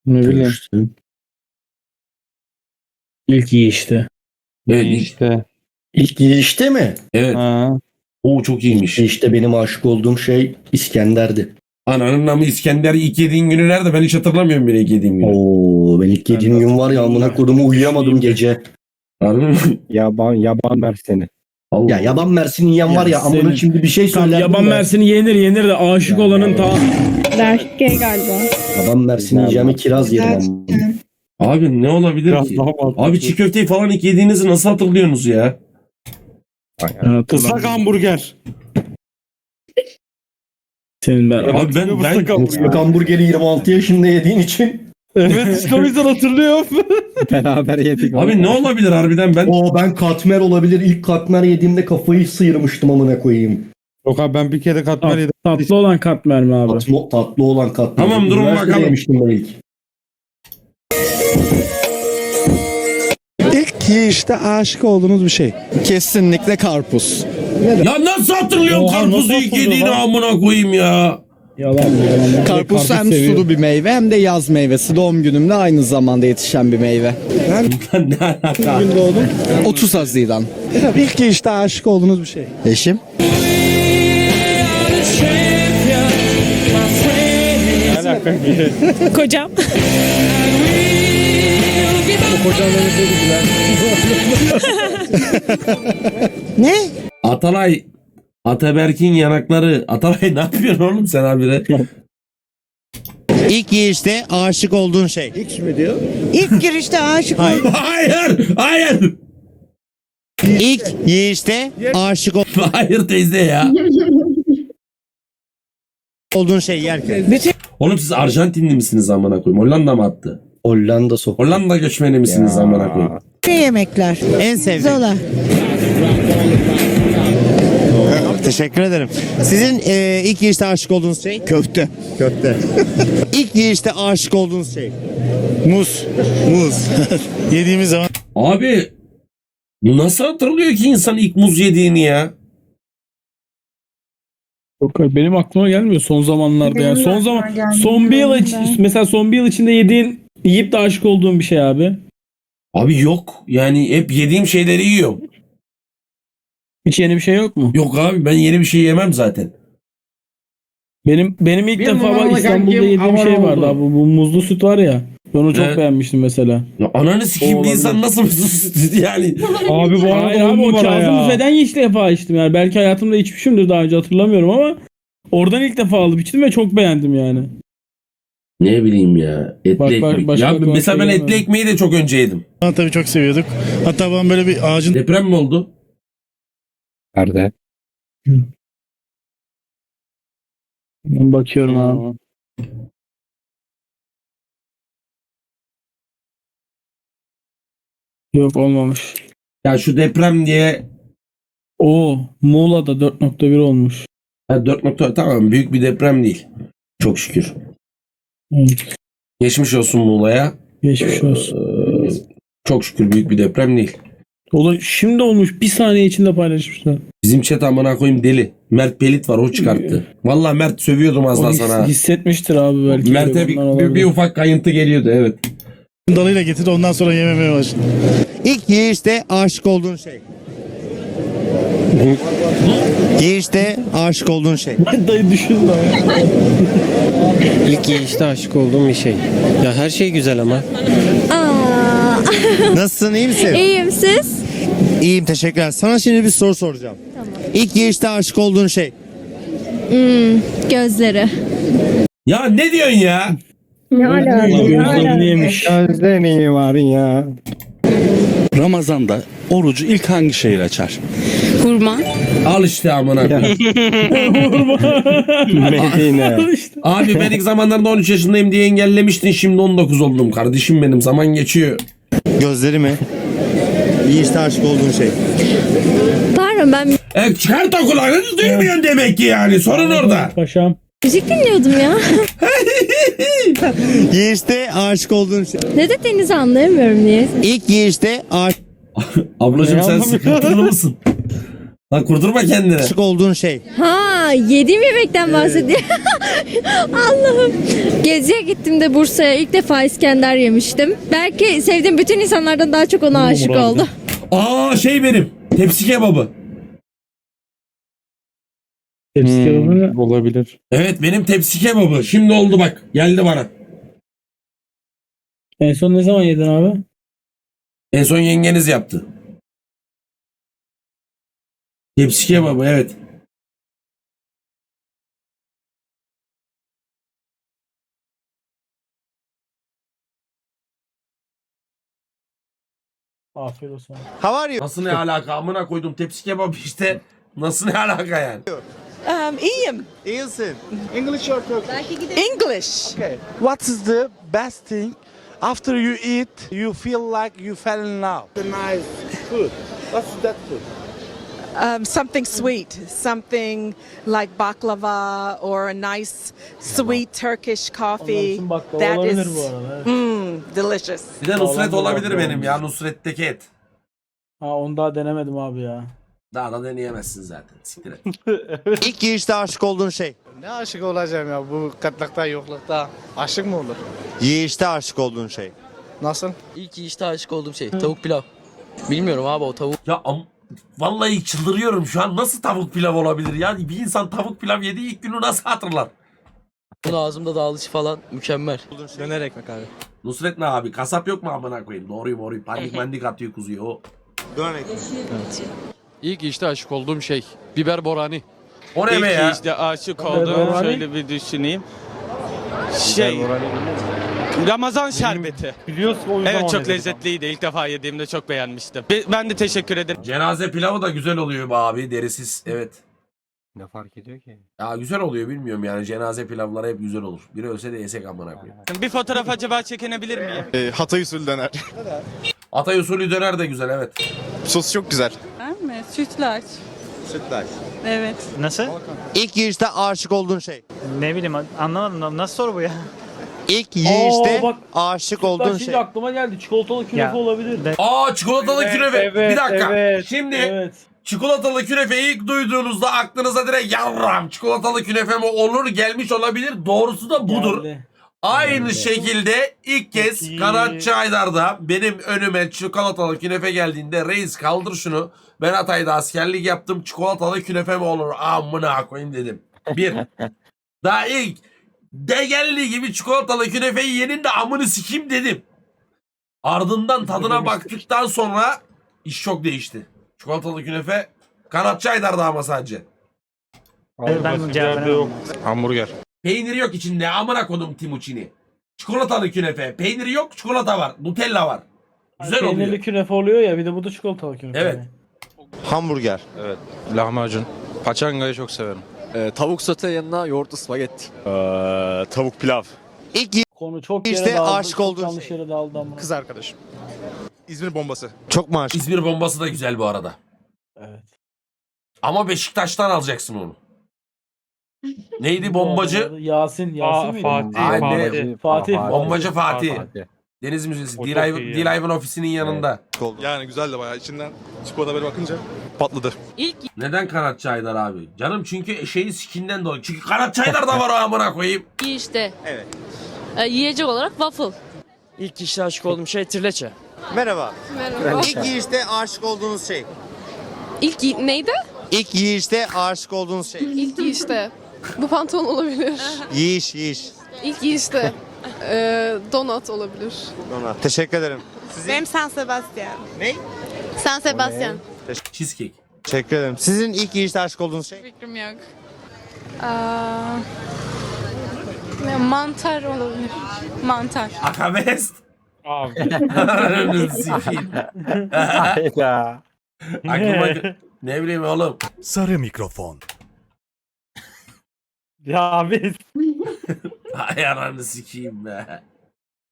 Ne bileyim. Görüştüm. İlk yiyişte. Evet. İşte. İlk girişte mi? Evet. Ha. O çok iyiymiş. İşte benim aşık olduğum şey İskender'di. Ananın namı İskender ilk yediğin günü nerede? Ben hiç hatırlamıyorum bile ilk yediğim günü. Oo, ben ilk yediğim gün var ya amına kodumu uyuyamadım gece. Harbi mi? Yaban merseni. Allah. Ya yaban mersini yiyen var ya Ya amına senin- şimdi bir şey Tamam, söylerdim yaban de. mersini yenir de aşık olanın ta... Berke galiba. Yaban mersini yiyeceğimi kiraz yerim ama. Abi ne olabilir Biraz ki? daha mantıklı. Abi çiğ köfteyi falan ilk yediğinizi nasıl hatırlıyorsunuz ya? Islak hamburger. Senin ben... Abi ben Islak hamburgeri 26 yaşında yediğin için. Evet işte o yüzden hatırlıyorum. Beraber yedik. Abi ne olabilir harbiden ben? Ben katmer olabilir. İlk katmer yediğimde kafayı sıyırmıştım amına koyayım. Yok abi ben bir kere katmer yedim. Tatlı olan katmer mi abi? Tatlı olan katmer. Tamam, durun Üniversitede bakalım. yemiştim ben ilk. İlk yiyişte aşık olduğunuz bir şey. Kesinlikle karpuz. Ya nasıl hatırlıyorum Oha, karpuzu nasıl ilk hatırlıyor yediğini lan? amına koyayım ya. Yalan. Karpuz hem seviyor. sulu bir meyve hem de yaz meyvesi. Doğum günümde aynı zamanda yetişen bir meyve. ne alaka? 30 Haziran. İlk yiyişte aşık olduğunuz bir şey. Eşim. Kocam. Ne? Atalay. Ataberk'in yanakları. Atalay ne yapıyorsun oğlum sen abire? İlk yiyişte aşık olduğun şey. X mi diyor? İlk girişte aşık Hayır. İlk yiyişte aşık Hayır teyze ya. olduğun şey yerken. Oğlum siz Arjantinli misiniz amına koyayım? Hollanda mı attı? Hollanda sokağı. Hollanda göçmeni misiniz amına koyayım? Yemekler. En sevdiğin. Zola. Teşekkür ederim. Sizin ilk yiyişte aşık olduğunuz şey? Köfte. Köfte. İlk yiyişte aşık olduğunuz şey? Muz. Muz. Yediğimiz zaman Abi bu nasıl hatırlıyor ki insan ilk muz yediğini ya? Yok, benim aklıma gelmiyor son zamanlarda yani. Son aklıma zaman gelmiyor. son bir yıl Ben. mesela son bir yıl içinde yiyip de aşık olduğum bir şey abi. Abi yok. Yani hep yediğim şeyleri yiyorum. Hiç yeni bir şey yok mu? Yok abi ben yeni bir şey yemem zaten. Benim ilk Bir defa numaralı İstanbul'da kankim yediğim şey abone vardı oldu. abi. Bu muzlu süt var ya. Ben onu çok Evet. beğenmiştim mesela. Ya ananı sikeyim bir Olabilir. insan nasıl yani? Abi bu arada abi on o numara Kazım ya. Büfe'den ilk defa içtim yani. Belki hayatımda içmişimdir daha önce hatırlamıyorum ama oradan ilk defa alıp içtim ve çok beğendim yani. Ne bileyim ya. Etli Bak, ekmek. başka Ya aklıma mesela şey ben etli gelmedi. ekmeği de çok önce yedim. tabii çok seviyorduk. Hatta ben böyle bir ağacın Deprem mi oldu? Nerede? Ben bakıyorum abi. Yok olmamış. Ya şu deprem diye Muğla'da 4.1 olmuş. 4 nokta tamam büyük bir deprem değil. Çok şükür. Evet. Geçmiş olsun Muğla'ya. Geçmiş olsun. Çok şükür büyük bir deprem değil. Şimdi olmuş. Bir saniye içinde paylaşmışlar. Bizim chat amına koyayım deli. Mert Pelit var o çıkarttı. Vallahi Mert sövüyordum az O daha sana. hissetmiştir abi belki. Mert'e bir ufak kayıntı geliyordu evet. dalıyla getirdi, ondan sonra yememeye başladı. İlk yiyişte aşık olduğun şey. Yiyişte aşık olduğun şey. Dayı düşün lan. İlk yiyişte aşık olduğum bir şey. Ya her şey güzel ama. Aa, Nasılsın, iyi misin? iyiyim siz? İyiyim, teşekkürler. Sana şimdi bir soru soracağım. İlk yiyişte aşık olduğun şey. Gözleri. Ya ne diyorsun ya? Ne alaka? Gözlerini yemiş. Gözlerini var ya. Ramazan'da orucu ilk hangi şeyle açar? Hurma. Al işte amına koyayım. Medine. Abi ben ilk zamanlarda 13 yaşındayım diye engellemiştin. Şimdi 19 oldum kardeşim benim. Zaman geçiyor. Gözleri mi? Yiyişte aşık olduğun şey. Pardon ben Çıkart o kulağını duymuyorsun demek ki yani. Sorun orada. Paşam. müzik dinliyordum ya. Yiyişte aşık olduğun şey. Ne dediğinizi anlayamıyorum niye. İlk yiyişte Ablacığım sen sıkıntılı mısın? Lan kurdurma kendini. aşık olduğun şey. Ha yediğim yemekten bahsediyor. Allah'ım. Geziye gittim de Bursa'ya. İlk defa İskender yemiştim. Belki sevdiğim bütün insanlardan daha çok ona aşık oldum. Aa şey benim. Tepsi kebabı. Tepsi kebabı. Olabilir. Evet benim tepsi kebabı. Şimdi oldu bak. Geldi bana. En son ne zaman yedin abi? En son yengeniz yaptı. Tepsi kebabı evet. Afiyet olsun. How are you? Nasıl ne alaka? Amına koydum tepsi kebabı işte. Nasıl ne alaka yani? İyiyim. İyisin. English. Okay. What is the best thing after you eat you feel like you fell in love? The nice food. What's that food? Something sweet, something like baklava or a nice sweet Turkish coffee. Onların baklava That olabilir is bu arada. Evet. delicious. Bir de Nusret Sağlam olabilir bir benim olmuş. ya. Nusret'teki et. Ha onu daha denemedim abi ya. Daha da deneyemezsin zaten. Siktir et. İlk yiyişte aşık olduğun şey. Ne aşık olacağım ya bu katlıkta yoklukta. Aşık mı olur? Yiyişte aşık olduğun şey. Nasıl? İlk işte aşık olduğum şey tavuk pilav. Bilmiyorum abi o tavuk. Ya vallahi çıldırıyorum şu an. Nasıl tavuk pilav olabilir ya? Bir insan tavuk pilav yediği ilk günü nasıl hatırlar? Bunun ağzımda dağılışı falan mükemmel. Döner ekmek abi. Nusret ne abi? Kasap yok mu amına koyayım? Doğruyu. Pandik mandik atıyor kuzuyu o. Dönek. İlk işte aşık olduğum şey biber borani. O ne be ya? işte aşık Biber olduğum borani? şöyle bir düşüneyim. Ramazan şerbeti. Biliyorsun o yüzden Evet çok lezzetliydi. İlk defa yediğimde çok beğenmiştim. Ben de teşekkür ederim. Cenaze pilavı da güzel oluyor be abi. Derisiz. Evet. Ne fark ediyor ki? Ya güzel oluyor bilmiyorum yani. Cenaze pilavları hep güzel olur. Biri ölse de yesek amına koyayım. Bir fotoğraf acaba çekinebilir miyim? Hatay usulü döner. Atay usulü döner de güzel evet. Sos çok güzel. Ben mi? Sütlaç. Sütlaç. Evet. Nasıl? İlk yiyişte aşık olduğun şey. Ne bileyim anlamadım. Nasıl soru bu ya? İlk yiyişte bak. aşık olduğun Şimdi şey. aklıma geldi. Çikolatalı künefe Ya. olabilir. Aa çikolatalı künefe. Bir dakika. Evet, Şimdi Evet. çikolatalı künefe ilk duyduğunuzda aklınıza direkt yavrum çikolatalı künefe mi olur gelmiş olabilir. Doğrusu da budur. Geldi. Aynı şekilde ilk kez Peki. Kanat Çaydar'da benim önüme çikolatalı künefe geldiğinde reis kaldır şunu. Ben Hatay'da askerlik yaptım çikolatalı künefe mi olur amına koyayım dedim. Bir. Daha ilk de geldiği gibi çikolatalı künefeyi yenin de amını sikeyim dedim. Ardından tadına baktıktan sonra iş çok değişti. Çikolatalı künefe Kanat Çaydar'da ama sadece. Ben cevabını Hamburger. Peynir yok içinde amına kodum Timuçin'i. Çikolatalı künefe. Peyniri yok çikolata var. Nutella var. Güzel Peynirli oluyor. künefe oluyor ya bir de bu da çikolatalı künefe. Evet. Hamburger. Evet. Lahmacun. Paçangayı çok severim. Tavuk sote yanına yoğurtlu spagetti. tavuk pilav. İlk Konu çok İşte yere dağıldı. aşık çok olduğun yanlış şey. yere dağıldı ama. Kız arkadaşım. İzmir bombası. çok mu aşık? İzmir bombası da güzel bu arada. Evet. Ama Beşiktaş'tan alacaksın onu. Neydi bombacı? Yasin miydi? Aynen. Fatih. Bombacı Fatih. Deniz Müzesi. O çok iyi D-Live'ın ofisinin yanında. Yani güzel de bayağı içinden çikolata böyle bakınca patladı. Neden Kanat Çaydar abi? Canım çünkü şeyin sikinden dolayı. Çünkü Kanat Çaydar da var o amına koyayım. İşte. Evet. Yiyecek olarak waffle. İlk işte aşık olduğum şey trileçe. Merhaba. Merhaba. İlk yiyişte aşık olduğunuz şey. İlk neydi? İlk yiyişte aşık olduğunuz şey. İlk işte. Bu pantolon olabilir. Yiyiş. İlk işte. Donut olabilir. Ona. Teşekkür ederim. Benim San Sebastian. Ne? San Sebastian. Cheesecake. Teşekkür ederim. Sizin ilk yiyişte aşık olduğunuz şey. Fikrim yok. Mantar olabilir. Mantar. Akabest. Abi. Sikeyim. Hayda. Aklıma ne bileyim oğlum. Sarı mikrofon. Ya abi. Ay ananı sikeyim be.